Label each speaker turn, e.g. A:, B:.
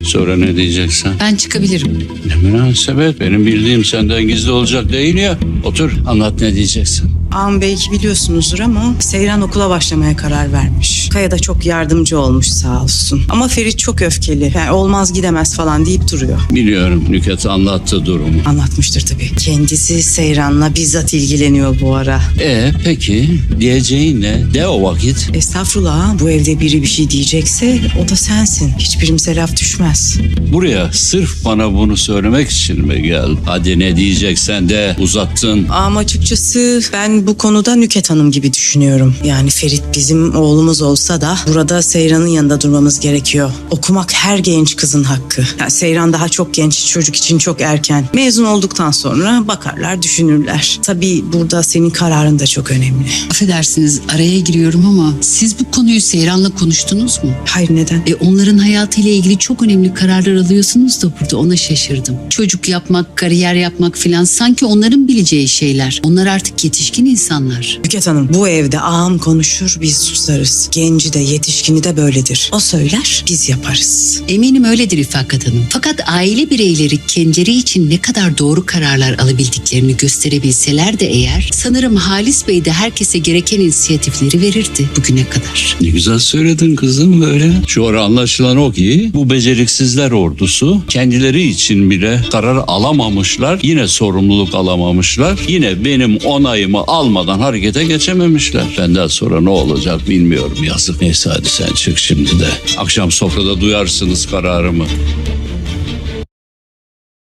A: Sonra ne diyeceksen.
B: Ben çıkabilirim.
A: Ne münasebet. Benim bildiğim senden gizli olacak değil ya. Otur anlat ne diyeceksin.
C: Ağam belki biliyorsunuzdur ama Seyran okula başlamaya karar vermiş. Kaya da çok yardımcı olmuş sağ olsun. Ama Ferit çok öfkeli. Yani olmaz gidemez falan deyip duruyor.
A: Biliyorum Nükhet anlattı durumu.
C: Anlatmıştır tabii. Kendisi Seyran'la bizzat ilgileniyor bu ara.
A: Peki diyeceğin ne? De o vakit.
C: Estağfurullah ağam, bu evde biri bir şey diyecekse o da sensin. Hiçbirimize laf düşmez.
A: Buraya sırf bana bunu söylemek için mi geldin? Hadi ne diyeceksen de uzattın.
C: Ama açıkçası ben bu konuda Nüket Hanım gibi düşünüyorum. Yani Ferit bizim oğlumuz olsa da burada Seyran'ın yanında durmamız gerekiyor. Okumak her genç kızın hakkı. Yani Seyran daha çok genç, çocuk için çok erken. Mezun olduktan sonra bakarlar, düşünürler. Tabii burada senin kararın da çok önemli.
B: Affedersiniz araya giriyorum ama siz bu konuyu Seyran'la konuştunuz mu?
C: Hayır, neden?
B: Onların hayatıyla ilgili çok önemli kararlar alıyorsunuz da burada ona şaşırdım. Çocuk yapmak, kariyer yapmak filan sanki onların bileceği şeyler. Onlar artık yetişkin insanlar.
C: Nüket Hanım, bu evde ağam konuşur, biz susarız. Genci de yetişkini de böyledir. O söyler, biz yaparız.
B: Eminim öyledir İfakat Hanım. Fakat aile bireyleri kendileri için ne kadar doğru kararlar alabildiklerini gösterebilseler de eğer, sanırım Halis Bey de herkese gereken inisiyatifleri verirdi bugüne kadar.
A: Ne güzel söyledin kızım böyle. Şu ara anlaşılan o ki bu beceriksizler ordusu kendileri için bile karar alamamışlar. Yine sorumluluk alamamışlar. Yine benim onayımı almadan harekete geçememişler. Benden sonra ne olacak bilmiyorum, yazık. Neyse hadi sen çık şimdi de. Akşam sofrada duyarsınız kararımı.